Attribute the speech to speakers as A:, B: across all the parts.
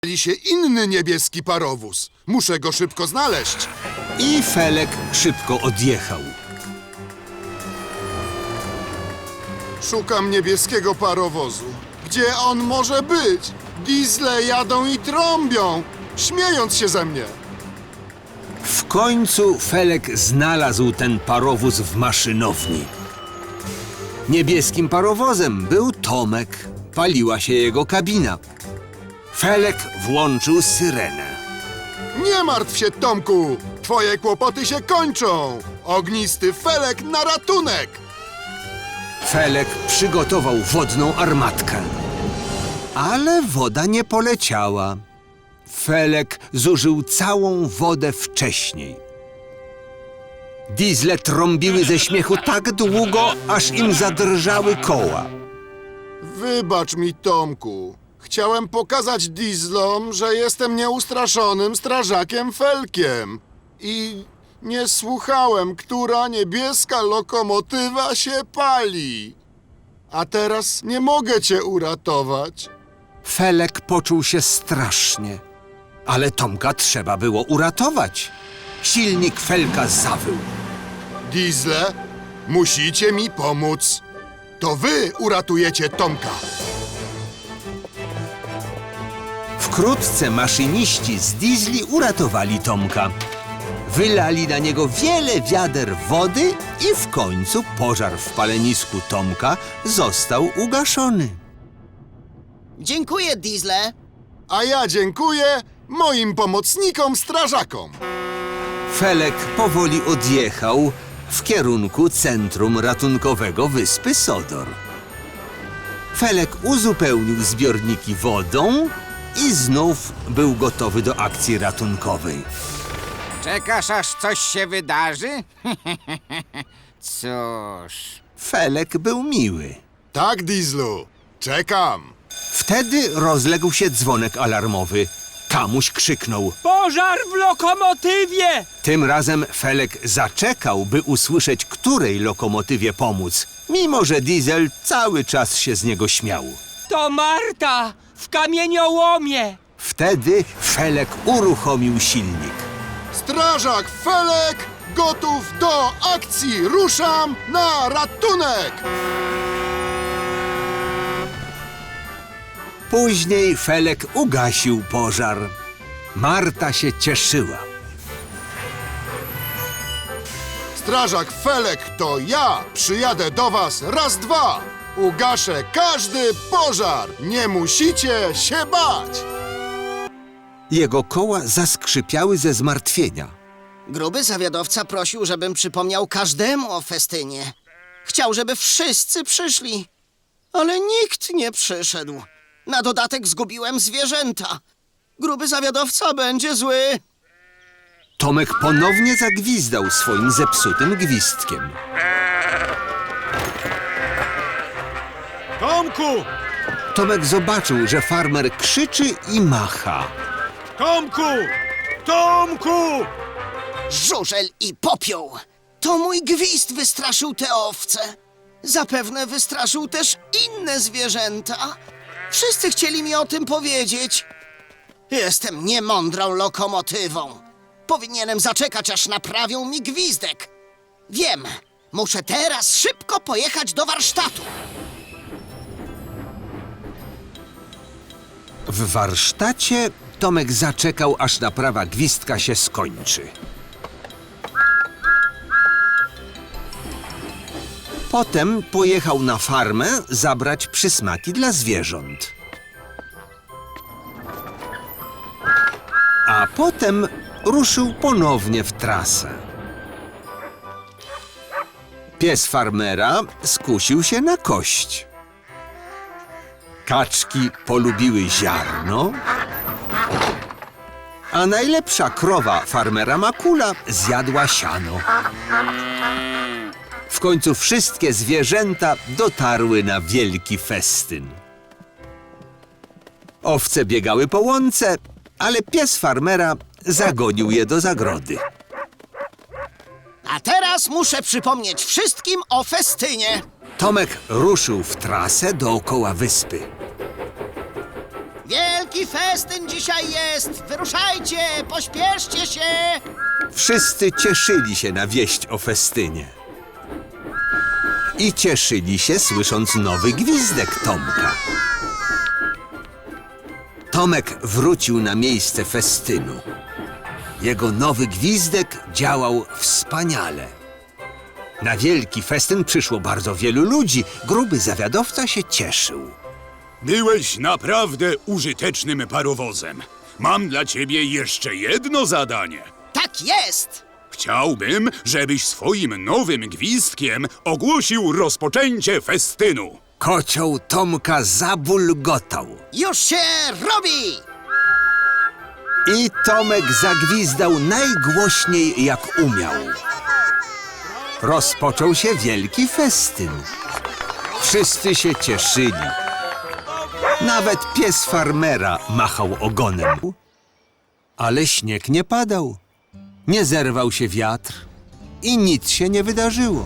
A: się inny niebieski parowóz. Muszę go szybko znaleźć.
B: I Felek szybko odjechał.
A: Szukam niebieskiego parowozu. Gdzie on może być? Diesle jadą i trąbią, śmiejąc się ze mnie.
B: W końcu Felek znalazł ten parowóz w maszynowni. Niebieskim parowozem był Tomek. Paliła się jego kabina. Felek włączył syrenę.
A: Nie martw się, Tomku. Twoje kłopoty się kończą. Ognisty Felek na ratunek.
B: Felek przygotował wodną armatkę. Ale woda nie poleciała. Felek zużył całą wodę wcześniej. Diesle trąbiły ze śmiechu tak długo, aż im zadrżały koła.
A: Wybacz mi, Tomku. Chciałem pokazać dieslom, że jestem nieustraszonym strażakiem Felkiem. I nie słuchałem, która niebieska lokomotywa się pali. A teraz nie mogę cię uratować.
B: Felek poczuł się strasznie, ale Tomka trzeba było uratować. Silnik Felka zawył.
A: Diesle, musicie mi pomóc. To wy uratujecie Tomka.
B: Wkrótce maszyniści z diesli uratowali Tomka. Wylali na niego wiele wiader wody i w końcu pożar w palenisku Tomka został ugaszony.
C: Dziękuję, Diesle.
A: A ja dziękuję moim pomocnikom strażakom.
B: Felek powoli odjechał w kierunku centrum ratunkowego wyspy Sodor. Felek uzupełnił zbiorniki wodą i znów był gotowy do akcji ratunkowej.
D: Czekasz, aż coś się wydarzy? Cóż...
B: Felek był miły.
A: Tak, Dieslu, czekam.
B: Wtedy rozległ się dzwonek alarmowy. Kamuś krzyknął.
E: Pożar w lokomotywie!
B: Tym razem Felek zaczekał, by usłyszeć, której lokomotywie pomóc, mimo że Diesel cały czas się z niego śmiał.
E: To Marta w kamieniołomie!
B: Wtedy Felek uruchomił silnik.
A: Strażak Felek gotów do akcji. Ruszam na ratunek.
B: Później Felek ugasił pożar. Marta się cieszyła.
A: Strażak Felek to ja. Przyjadę do was raz, dwa. Ugaszę każdy pożar. Nie musicie się bać.
B: Jego koła zaskrzypiały ze zmartwienia.
C: Gruby zawiadowca prosił, żebym przypomniał każdemu o festynie. Chciał, żeby wszyscy przyszli. Ale nikt nie przyszedł. Na dodatek zgubiłem zwierzęta. Gruby zawiadowca będzie zły.
B: Tomek ponownie zagwizdał swoim zepsutym gwizdkiem.
E: Tomku!
B: Tomek zobaczył, że farmer krzyczy i macha.
E: Tomku! Tomku!
C: Żużel i popioł. To mój gwizd wystraszył te owce. Zapewne wystraszył też inne zwierzęta. Wszyscy chcieli mi o tym powiedzieć. Jestem niemądrą lokomotywą. Powinienem zaczekać, aż naprawią mi gwizdek. Wiem, muszę teraz szybko pojechać do warsztatu.
B: W warsztacie Tomek zaczekał, aż naprawa gwizdka się skończy. Potem pojechał na farmę zabrać przysmaki dla zwierząt. A potem ruszył ponownie w trasę. Pies farmera skusił się na kość. Kaczki polubiły ziarno, a najlepsza krowa farmera Makula zjadła siano. W końcu wszystkie zwierzęta dotarły na wielki festyn. Owce biegały po łące, ale pies farmera zagonił je do zagrody.
C: A teraz muszę przypomnieć wszystkim o festynie.
B: Tomek ruszył w trasę dookoła wyspy.
C: Wielki festyn dzisiaj jest! Wyruszajcie! Pośpieszcie się!
B: Wszyscy cieszyli się na wieść o festynie. I cieszyli się, słysząc nowy gwizdek Tomka. Tomek wrócił na miejsce festynu. Jego nowy gwizdek działał wspaniale. Na wielki festyn przyszło bardzo wielu ludzi. Gruby zawiadowca się cieszył.
F: Byłeś naprawdę użytecznym parowozem. Mam dla ciebie jeszcze jedno zadanie.
C: Tak jest!
F: Chciałbym, żebyś swoim nowym gwizdkiem ogłosił rozpoczęcie festynu.
B: Kocioł Tomka zabulgotał.
C: Już się robi!
B: I Tomek zagwizdał najgłośniej jak umiał. Rozpoczął się wielki festyn. Wszyscy się cieszyli. Nawet pies farmera machał ogonem. Ale śnieg nie padał. Nie zerwał się wiatr i nic się nie wydarzyło.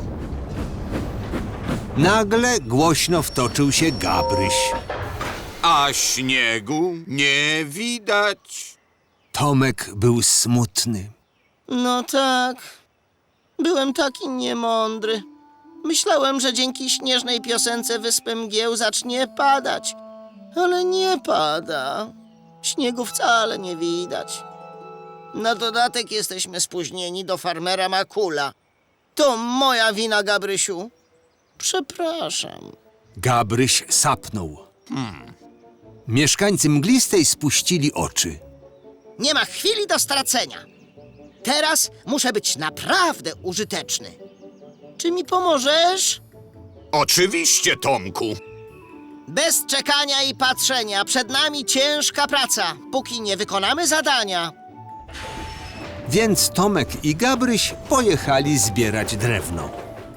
B: Nagle głośno wtoczył się Gabryś.
G: A śniegu nie widać.
B: Tomek był smutny.
C: No tak. Byłem taki niemądry. Myślałem, że dzięki śnieżnej piosence Wyspy Mgieł zacznie padać. Ale nie pada. Śniegu wcale nie widać. Na dodatek jesteśmy spóźnieni do farmera Makula. To moja wina, Gabrysiu. Przepraszam.
B: Gabryś sapnął. Mieszkańcy Mglistej spuścili oczy.
C: Nie ma chwili do stracenia. Teraz muszę być naprawdę użyteczny. Czy mi pomożesz?
G: Oczywiście, Tomku.
C: Bez czekania i patrzenia. Przed nami ciężka praca, póki nie wykonamy zadania.
B: Więc Tomek i Gabryś pojechali zbierać drewno.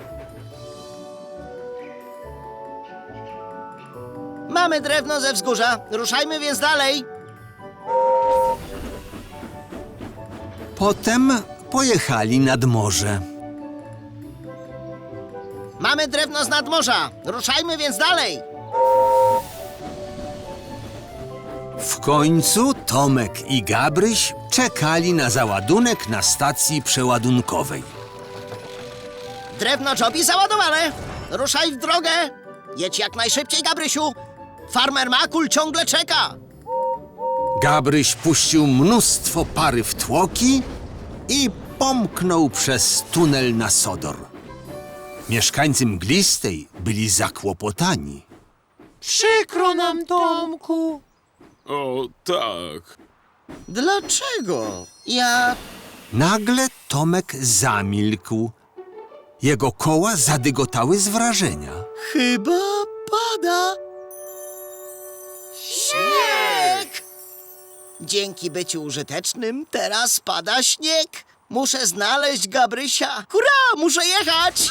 C: Mamy drewno ze wzgórza. Ruszajmy więc dalej.
B: Potem pojechali nad morze.
C: Mamy drewno z nadmorza. Ruszajmy więc dalej.
B: W końcu Tomek i Gabryś czekali na załadunek na stacji przeładunkowej.
C: Drewno Jobi załadowane. Ruszaj w drogę. Jedź jak najszybciej, Gabrysiu. Farmer Makul ciągle czeka.
B: Gabryś puścił mnóstwo pary w tłoki i pomknął przez tunel na Sodor. Mieszkańcy Mglistej byli zakłopotani.
E: Przykro nam, Tomku.
F: O, tak.
C: Dlaczego?
B: Nagle Tomek zamilkł. Jego koła zadygotały z wrażenia.
C: Chyba pada. Śnieg! Dzięki byciu użytecznym teraz pada śnieg. Muszę znaleźć Gabrysia. Hurra, muszę jechać!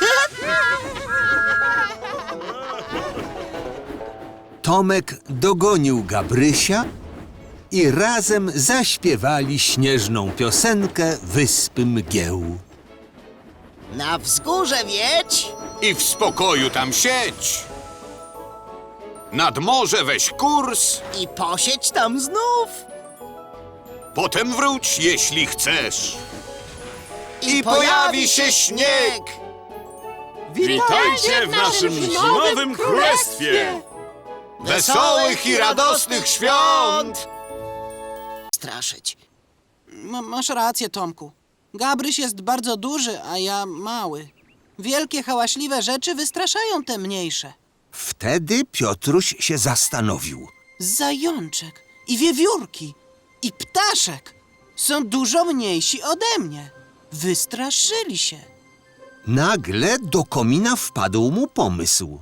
B: Tomek dogonił Gabrysia i razem zaśpiewali śnieżną piosenkę Wyspy Mgieł.
C: Na wzgórze wiedź.
G: I w spokoju tam siedź. Nad morze weź kurs,
C: I posiedź tam znów.
G: potem wróć, jeśli chcesz.
C: I
G: pojawi się śnieg.
E: Witajcie w naszym zimowym królestwie.
G: Wesołych i radosnych świąt!
C: Straszyć.
H: Masz rację, Tomku. Gabryś jest bardzo duży, a ja mały. Wielkie, hałaśliwe rzeczy wystraszają te mniejsze.
B: Wtedy Piotruś się zastanowił.
H: Zajączek i wiewiórki i ptaszek są dużo mniejsi ode mnie. Wystraszyli się.
B: Nagle do komina wpadł mu pomysł.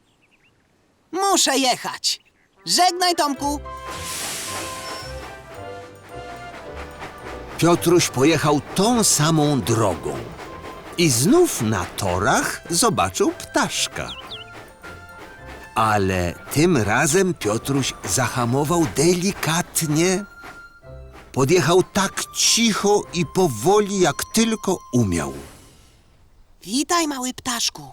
H: Muszę jechać. Żegnaj, Tomku.
B: Piotruś pojechał tą samą drogą i znów na torach zobaczył ptaszka. Ale tym razem Piotruś zahamował delikatnie. Podjechał tak cicho i powoli, jak tylko umiał.
H: Witaj, mały ptaszku.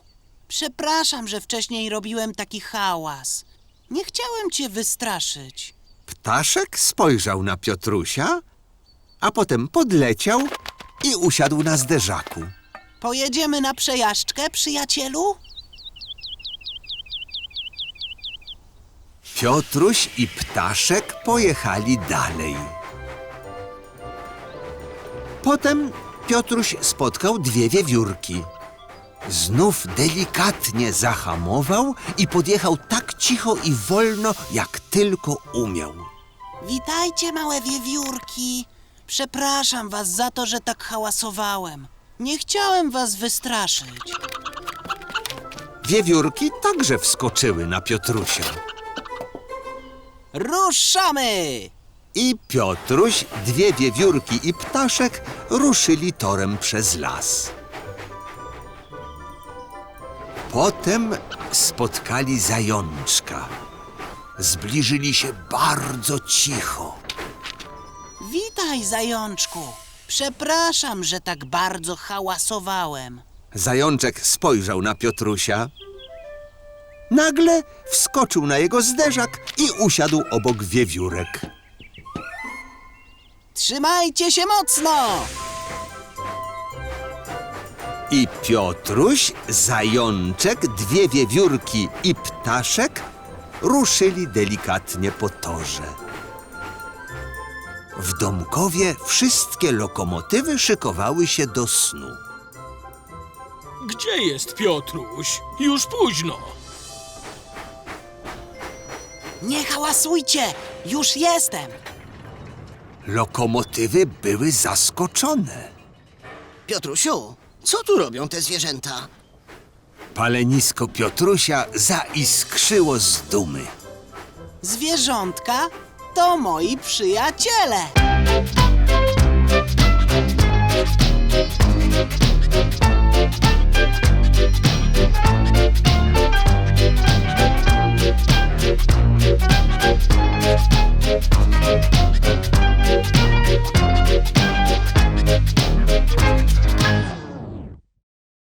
H: Przepraszam, że wcześniej robiłem taki hałas. Nie chciałem cię wystraszyć.
B: Ptaszek spojrzał na Piotrusia, a potem podleciał i usiadł na zderzaku.
H: Pojedziemy na przejażdżkę, przyjacielu?
B: Piotruś i Ptaszek pojechali dalej. Potem Piotruś spotkał dwie wiewiórki. Znów delikatnie zahamował i podjechał tak cicho i wolno, jak tylko umiał.
H: Witajcie, małe wiewiórki. Przepraszam was za to, że tak hałasowałem. Nie chciałem was wystraszyć.
B: Wiewiórki także wskoczyły na Piotrusia.
H: Ruszamy!
B: I Piotruś, dwie wiewiórki i Ptaszek ruszyli torem przez las. Potem spotkali zajączka. Zbliżyli się bardzo cicho.
H: Witaj, zajączku. Przepraszam, że tak bardzo hałasowałem.
B: Zajączek spojrzał na Piotrusia. Nagle wskoczył na jego zderzak i usiadł obok wiewiórek.
H: Trzymajcie się mocno!
B: I Piotruś, zajączek, dwie wiewiórki i Ptaszek ruszyli delikatnie po torze. W Domkowie wszystkie lokomotywy szykowały się do snu.
E: Gdzie jest Piotruś? Już późno.
H: Nie hałasujcie! Już jestem!
B: Lokomotywy były zaskoczone.
C: Piotrusiu, co tu robią te zwierzęta?
B: Palenisko Piotrusia zaiskrzyło z dumy.
H: Zwierzątka to moi przyjaciele.